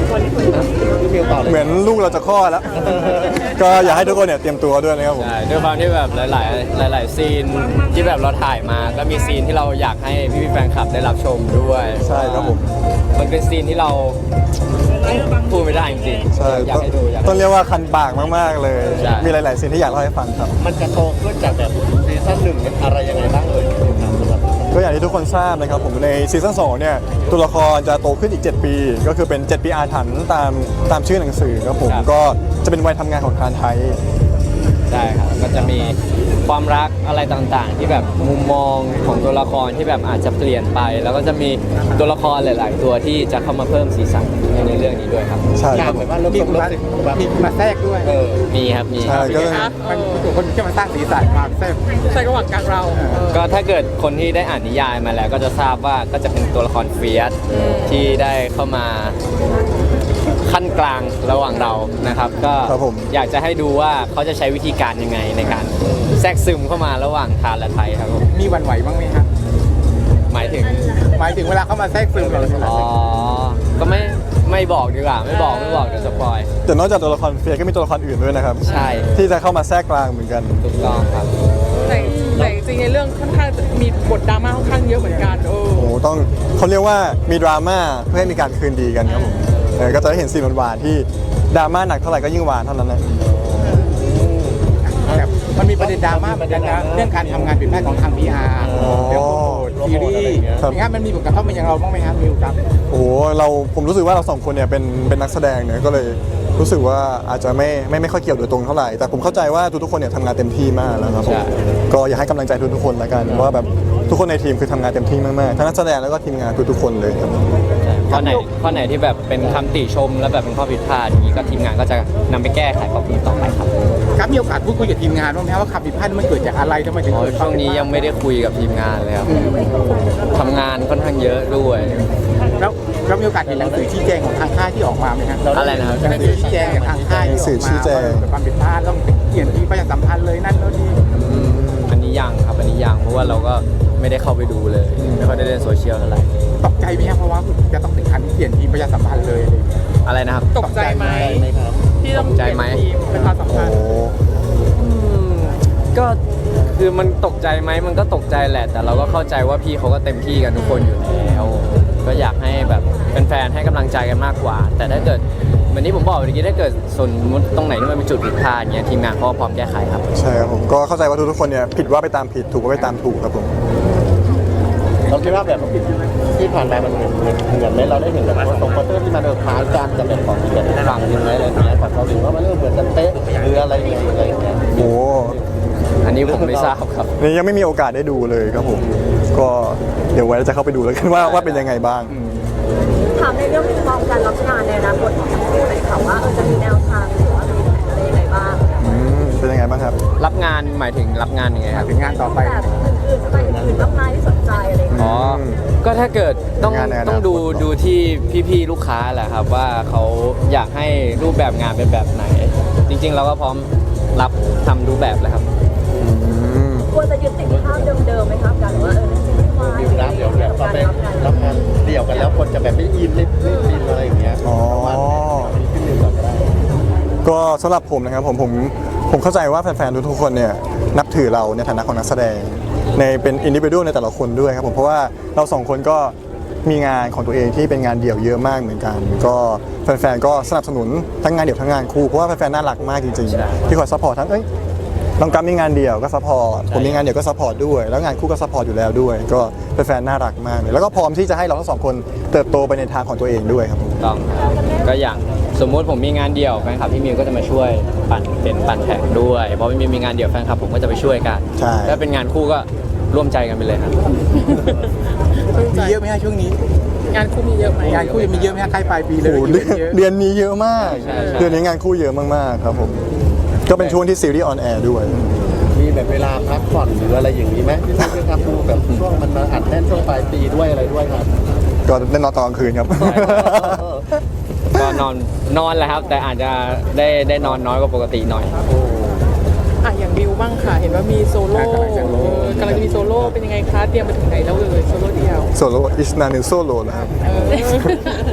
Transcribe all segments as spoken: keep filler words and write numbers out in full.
พี่มิวต่อเลยเหมือนลูกเราจะคลอดแล้ว ก็อยากให้ทุกคนเนี่ยเตรียมตัวด้วยนะครับผมใช่ด้วยความที่แบบหลาย ๆ หลาย ๆ ซีนที่แบบเราถ่ายมาก็มีซีนที่เราอยากให้พี่ๆแฟนคลับได้รับชมด้วยใช่ครับผมมันเป็นซีนที่เราพูดไม่ได้จริงๆใช่อยากให้ดูอยากต้องเรียกว่าคันปากมากๆเลยใช่มีหลายๆซีนที่อยากเล่าให้ฟังครับมันจะโตขึ้นจากแบบซีซั่นหนึ่งอะไรยังไงบ้างเอ่ยครับสำหรับก็อย่างที่ทุกคนทราบนะครับผมในซีซั่นสองเนี่ยตัวละครจะโตขึ้นอีก เจ็ด ปี ก็คือเป็น เจ็ด ปีอาถรรพ์ตามตามชื่อหนังสือครับผมก็จะเป็นวัยทำงานของทานไทยใช่ครับก็จะมีความรักอะไรต่าง ๆ ที่แบบมุมมองของตัวละครที่แบบอาจจะเปลี่ยนไป แล้วก็จะมีตัวละครหลาย ๆ ตัวที่จะเข้ามาเพิ่มสีสันในเรื่องนี้ด้วยครับใช่อคยารักบเหมือนว่าเริ่มต้นเริ่มแบบมีมาแทรกด้วยเออมีครับมีใช่ก็มันตัวคนที่มาสร้างสีสันมาแทรกใช่ระหว่างกลางเราเออก็ถ้าเกิดคนที่ได้อ่านนิยายมาแล้วก็จะทราบว่าก็จะเป็นตัวละครเฟียสที่ได้เข้ามาขั้นกลางระหว่างเรานะครับ ก็ครับผมอยากจะให้ดูว่าเขาจะใช้วิธีการยังไงในการแทรกซึมเข้ามาระหว่างทานและไทยครับผมมีหวันไหวบ้างไหมครับหมายถึงหมายถึงเวลาเขามาแทรกซึมเราอ๋อ ก็ไม่ไม่บอกดีกว่า ไม่บอกไม่บอกเดี๋ยวสปอยแต่นอกจากตัวละครเฟียร์ก็มีตัวละครอื่นด้วยนะครับใช่ที่จะเข้ามาแทรกกลางเหมือนกันถูกต้องครับแต่แต่จริงๆในเรื่องค่อนข้างจะมีบทดราม่าค่อนข้างเยอะเหมือนกันเออโอ้โหต้องเขาเรียกว่ามีดราม่าเพื่อให้มีการคืนดีกันครับผมเออก็จะได้เห็นซีนหวานๆที่ดราม่าหนักเท่าไหร่ก็ยิ่งหวานเท่านั้นนะแบบมันมีประเด็นดราม่าเหมือนกันนะเรื่องการทำงานผิดพลาดของทาง พี อาร์ เรื่องโปรโมทซีรีส์อย่างเงี้ยมันมีผลกระทบมาอย่างเราบ้างไหมครับมิวครับโอ้โหเราผมรู้สึกว่าเราสองคนเนี่ยเป็นเป็นนักแสดงเนี่ยก็เลยรู้สึกว่าอาจจะไม่ไม่ไม่ค่อยเกี่ยวโดยตรงเท่าไหร่แต่ผมเข้าใจว่าทุกๆคนเนี่ยทำงานเต็มที่มากแล้วครับผมใช่ก็อยากให้กำลังใจทุกๆคนละกันว่าแบบทุกคนในทีมคือทำงานเต็มที่มากๆทั้งนักแสดงแล้วก็ทีมงานทุกๆคนเลยครับข้อไหนข้อไหนที่แบบเป็นคำติชม แล้วแบบเป็นข้อผิดพลาดอย่างนี้ก็ทีมงานก็จะนำไปแก้ไขปรับปรุงต่อไปครับครับมีโอกาสพูดคุยกับทีมงานบ้างไหมครับว่าขับผิดพลาดมันเกิดจากอะไรทำไมถึงโอ้เกิยดช่วงนี้ยังไม่ได้คุยกับทีมงานเลยครับทำงานค่อนข้างเยอะด้วยแล้วเรามีโอกาสเห็นหนังสือชี้แจงของทางค่ายที่ออกมาไหมครับอะไรนะครับหนังสือชี้แจงจากทางค่ายที่ออกมาว่าเกิดความผิดพลาดต้องเปลี่ยนที่ประชาสัมพันธ์เลยนั่นโน่นนี่อืมอันนี้ยังครับอันนี้ยังเพราะว่าเราก็ไม่ได้เข้าไปดูเลยไม่ค่อยได้เล่นโซเชียลเท่าไหร่ตกใจไหมครับเพราะว่าจะต้องถึงขั้นที่เปลี่ยนทีมประชาสัมพันธ์เลยอะไรอย่างเงี้ยอะไรนะครับตกใจไหมไหมครับที่ต้องตกใจไหมเปลี่ยนทีประชาสัมโอ้พันธ์อืมก็คือมันตกใจไหมมันก็ตกใจแหละ แต่เราก็เข้าใจว่าพี่เขาก็เต็มที่กันทุกคนอยู่แล้วก็อยากให้แบบแฟนๆให้กำลังใจกันมากกว่า แต่ถ้าเกิดเหมือนที่ผมบอกเมื่อกี้ถ้าเกิดสมมติตรงไหนที่มันเป็นจุดผิดพลาดเงี้ยทีมงานเขาก็พร้อมแก้ไขครับใช่ครับผมก็เข้าใจว่าทุกๆคนเนี่ยผิดว่าไปตามผิดถูกว่าไปตามถูกครับผมเราคิดว่าแบบที่ผ่านมามันเหมือนเหมือนเหมือนไหมเราได้เห็นแบบว่าตรงโปสเตอร์ที่มันเออคล้ายกันกับแบบของที่แบบฝั่งยังไงอะไรอย่างเงี้ยฝั่งเขาหรือว่ามันเริ่มเหมือนกันเป๊ะหรืออะไรยังไงอะไรอย่างเงี้ยโอ้อันนี้ผมไม่ทราบครับนี่ยังไม่มีโอกาสได้ดูเลยครับผม ก็เดี๋ยวไว้จะเข้าไปดูแล้วกันว่าว่าเป็นยังไงบ้างถามในเรื่องมุมมองการรับงานในอนาคตของทั้งคู่หน่อยค่ะว่าเออจะมีแนวทางหรือว่ามีแผนอะไรยังไงบ้างอืมเป็นยังไงบ้างครับรับงานหมายถึงรับงานยังไงครับถึงงานต่อไปแบบอื่นๆจะไปอื่นๆรับงานที่สนใจอะไรอย่างเงี้ยอ๋อ ก็ถ้าเกิดต้องงานในอนาคตต้องดูดูที่พี่ๆลูกค้าแหละครับว่าเขาอยากให้รูปแบบงานเป็นแบบไหน จริงๆ เราก็พร้อมรับทำรูปแบบเลยครับอืมควรจะยึดติดภาพเดิมๆไหมครับการว่าเออซีรีส์วายดิวรับเดี๋ยวแบบพอการไปรับงานรับงานเดี่ยวกันแล้วคนจะแบบไม่อินไม่ไม่ฟินอะไรอย่างเงี้ยอ๋อประมาณนี้ขึ้นหนึ่งก่อนก็ได้ก็สำหรับผมนะครับผมผมผมเข้าใจว่าแฟนๆทุกๆคนเนี่ยนับถือเราในฐานะของนักแสดงในเป็นอินดิวิ u a l ในแต่ละคนด้วยครับผมเพราะว่าเราสองคนก็มีงานของตัวเองที่เป็นงานเดี่ยวเยอะมากเหมือนกัน ก็แฟนๆก็สนับสนุนทั้งงานเดี่ยวทั้งงานคู่เพราะว่าแฟนๆน่ารักมากจริงใช่ๆที่คอยซัพพอร์ตทั้งเอ้ยน้องกัมมีงานเดี่ยวก็ซัพพอร์ตผมมีงานเดี่ยวก็ซัพพอร์ตด้วยแล้วงานคู่ก็ซัพพอร์ตอยู่แล้วด้วย ก็แฟนๆน่ารักมากเลยแล้วก็พร้อมที่จะให้เราทั้งสองคนเติบโตไปในทางของตัวเองด้วยครับผมต้องครับก็อย่างสมมุติผมมีงานเดี่ยวแฟนคลับพี่มิวก็จะมาช่วยปั่นเป็นปั่นแข่งด้วยเพราะพี่มิวมีงานเดี่ยวแฟนคลับผมก็จะไปช่วยกันใช่ถ้าเป็นงานคู่ก็ร่วมใจกันไปเลยครับมีเยอะไหมฮะช่วงนี้งานคู่มีเยอะไหมงานคู่ยังมีเยอะไหมฮะใกล้ปลายปีเลยโอ้โหเดือนเยอะเดือนนี้เยอะมากใช่ใช่เดือนนี้งานคู่เยอะมากๆครับผม ก็เป็นช่วงที่ซีรีส์ออนแอร์ด้วยมีแบบเวลาพักผ่อนหรืออะไรอย่างนี้ไหมที่ท่านจะทำดูแบบช่วงมันมาอัดแน่นช่วงปลายปีด้วยอะไรด้วยครับก็ได้นอนตอนกลางคืนครับก็นอนนอนแหละครับ แต่อาจจะได้ได้นอนน้อยกว่าปกติหน่อยอ่ะอย่างบิวบ้างค่ะ เห็นว่ามีโซโล่เออกำลังจะมีโซโล่เป็นยังไงคะเตรียมไปถึงไหนแล้วเลยโซโล่เดียวโซโล่อิสนานิโซโลนะครับเออ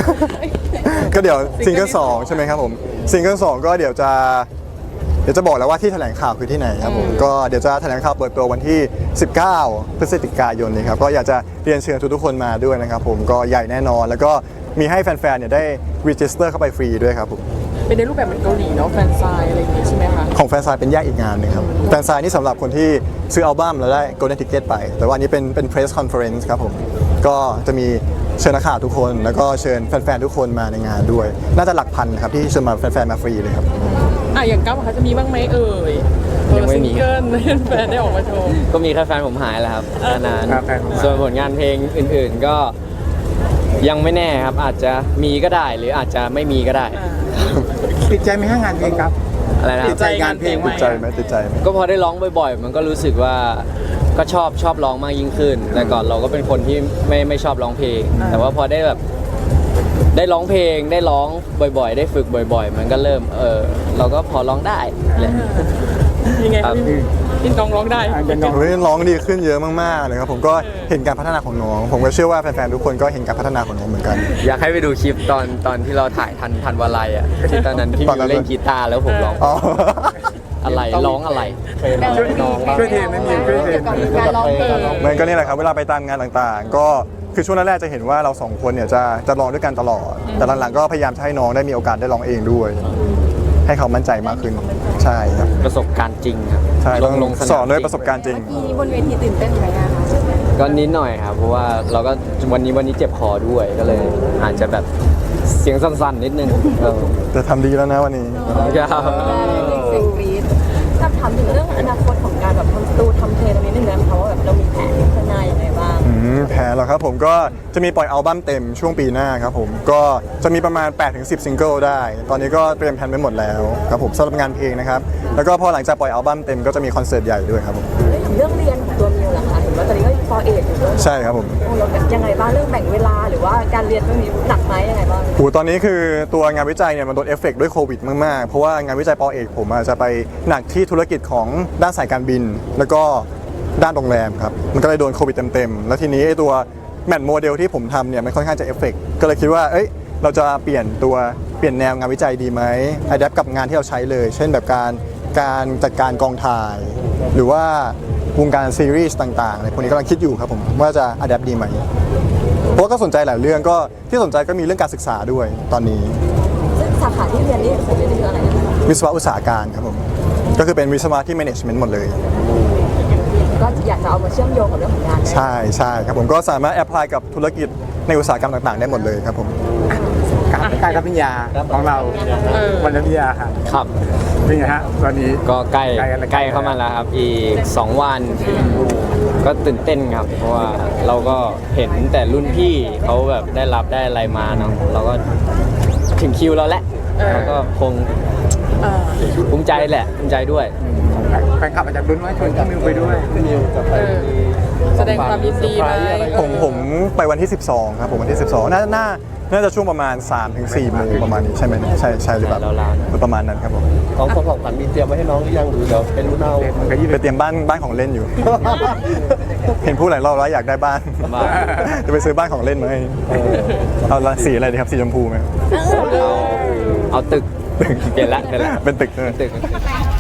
ก็เดี๋ยวซิงเกิลสองใช่ไหมครับผมซิงเกิลสองก็เดี๋ยวจะเดี๋ยวจะบอกแล้วว่าที่แถลงข่าวคือที่ไหนครับผมก็เดี๋ยวจะแถลงข่าวเปิดตัววันที่ สิบเก้า พฤศจิกายนนี้ครับก็อยากจะเรียนเชิญทุกๆคนมาด้วยนะครับผมก็ใหญ่แน่นอน แล้วก็มีให้แฟนๆเนี่ยได้รีจิสเตอร์เข้าไปฟรีด้วยครับผมเป็นในรูปแบบเหมือนเกาหลีเนาะแฟนซายอะไรอย่างงี้ใช่ไหมคะของแฟนซายเป็นแยกอีกงานหนึงครับแฟนซายนี่สำหรับคนที่ซื้ออัลบั้มแล้วได้ Golden Ticket ไป แต่ว่าอันนี้เป็นเป็น Press Conference ครับผมก็จะมีเชิญนักข่าวทุกคน แล้วก็เชิญแฟนๆทุกคนมาในงานด้วย น่าจะหลักพันครับที่เชิญมาแฟนๆมาฟรีเลยครับอ่ะอย่างก้าวเขาจะมีบ้างไหมเอ่ยยังไม่มีซิงเกิลให้แฟนได้ออกมาโชว์ก็มีแค่แฟนผมหายแหละครับแค่นั้นครับแฟนผมหายส่วนผลงานเพลงอื่นๆก็ยังไม่แน่ครับ อาจจะมีก็ได้หรืออาจจะไม่มีก็ได้ติดใจไหมฮะงานเพลงครับอะไรนะคติรัดบใจงานเพลงไหมติดใจไหมติดใจไหมก็พอได้ร้องบ่อยๆ มันก็รู้สึกว่าก็ชอบชอบร้องมากยิ่งขึ้น แต่ก่อนเราก็เป็นคนที่ไม่ไม่ชอบร้องเพลง แต่ว่าพอได้แบบได้ร้องเพลงได้ร้องบ่อยๆ ได้ฝึกบ่อย ๆ มันก็เริ่มเออเราก็พอร้องได้แหละยังไงครับพี่พี่น้องร้องได้อ่ะเดี๋ยวน้องเฮ้ยร้องดีขึ้นเยอะมากๆเลยครับผมก็เห็นการพัฒนาของน้อง ผมก็เชื่อว่าแฟนๆทุกคนก็เห็นการพัฒนาของน้องเหมือนกันอยากให้ไปดูคลิปตอนตอนที่เราถ่ายทันทันวาลัยอ่ะที่ตอนนั้นพี่ตอนนั้มิวน เล่นกีตาร์แล้วผมร้องอ๋ออะไรร้องอะไรช่วยช่วยเทรนนะมิวช่วยเทรนการร้องเพลงมันก็นี่แหละครับเวลาไปตามงานต่างๆ ก็คือช่วงแรกๆจะเห็นว่าเราสองคนเนี่ยจะจะร้องด้วยกันตลอด แต่หลังๆก็พยายามจะให้น้องได้มีโอกาสได้ร้องเองด้วย ให้เขามั่นใจมากขึ้นใช่ครับประสบการณ์จริงครับใช่ลต้องงลงสนามสอนด้วยจงประสบการณ์จริงทีบนเวทีตื่นเต้นไหมอะคะก็นิดหน่อยครับเพราะว่าเราก็วันนี้วันนี้เจ็บคอด้วยก็เลย อาจจะแบบเสียงสั้นๆนิดนึงเออแต่ทำดีแล้วนะวันนี้ครับเสียงกรี๊ดถ้าถามถึงเรื่องอนาคตของการแบบทำสตูทำเพลงตรงนี้นึงนะคะว่าแบบเรามีแผนข้างหน้ายังไงบ้างอืมแผนเหรอครับผมก็จะมีปล่อยอัลบั้มเต็มช่วงปีหน้าครับผมก็จะมีประมาณ แปดถึงสิบ ซิงเกิลได้ ตอนนี้ก็เตรียมแผนไว้หมดแล้วครับผมสำหรับงานเพลงนะครับแล้วก็พอหลังจากปล่อยอัลบั้มเต็มก็จะมีคอนเสิร์ตใหญ่ด้วยครับผมเรื่องเรื่องเรียนของตัวมิวล่ะคะเห็นว่าตอนนี้ก็ปอเอกอยู่ด้วยใช่ครับผมโอ้เรายังไงบ้างเรื่องแบ่งเวลาหรือว่าการเรียนเรื่องนี้หนักไหมยังไงบ้างโหตอนนี้คือตัวงานวิจัยเนี่ยมันโดนเอฟเฟกต์ด้วยโควิดมากๆ เพราะว่างานวิจัยปอเอกผมอาจจะไปหนักที่ธุรกิจของด้านสายการบิน แล้วก็ด้านโรงแรมครับมันก็เลยโดนโควิดเต็มๆแล้วทีนี้ไอ้ตัวแมทโมเดลที่ผมทำเนี่ยมันค่อนข้างจะเอฟเฟกต์ก็เลยคิดว่าเอ้ยเราจะเปลี่ยนตัวเปลี่ยนแนวงานวิจัยดีไหมอัดแอปกับงานที่เราใช้เลย เช่นแบบการการจัดการกองถ่าย หรือว่าวงการซีรีส์ต่างๆอะไรพวกนี้กำลังคิดอยู่ครับผมว่าจะอัดแอปดีไหมเพราะว่าก็สนใจหลายเรื่องก็ที่สนใจก็มีเรื่องการศึกษาด้วยตอนนี้ซึ่งสาขาที่เรียนนี่ผมเรียนนี่คืออะไรนะคะวิศวะอุตสาหการครับผมก็คือเป็นวิศวะที่ management หมดเลยก็อยากจะเอามาเชื่อมโยงกับเรื่องของงานใช่ใช่ครับผมก็สามารถแอพพลายกับธุรกิจในอุตสาหกรรมต่างๆ ได้หมดเลยครับผมการการรับปริญญาของเราเออวันรับปริญญาค่ะครับเป็นไงฮะตอนนี้ก็ใกล้ใกล้แล้วใกล้เข้ามาแล้วครับ อีกสองวัน ก็ตื่นเต้นครับ เพราะว่าเราก็เห็นแต่รุ่นพี่เขาแบบได้รับได้อะไรมาเนาะเราก็ถึงคิวเราแล้วเราก็คงเออภูมิใจแหละภูมิใจด้วยแฟนคลับอาจจะรุ้นว่าชวนพี่มิวไปด้วยนิวจะไปเออแสดงความยินดีไหมผมผมไปวันที่ สิบสองครับผมวันที่ สิบสองน่าน่าน่าจะช่วงประมาณ สามถึงสี่โมงประมาณนี้ใช่ไหมเนี่ยใช่ใช่หรือเปล่าใช่ราวๆประมาณนั้นครับผมของของของขวัญมีเตรียมไว้ให้น้องหรือยังหรือเดี๋ยวเป็นรุ่นเอาไปเตรียมบ้านบ้านของเล่นอยู่ เห็นพูดหลายรอบแล้วอยากได้บ้านบ้านจะไปซื้อบ้านของเล่นมาให้เอาละสีอะไรดีครับสีชมพูไหมเอาเอาตึกเปลี่ยนละเปลี่ยนละเป็นตึกเลยตึก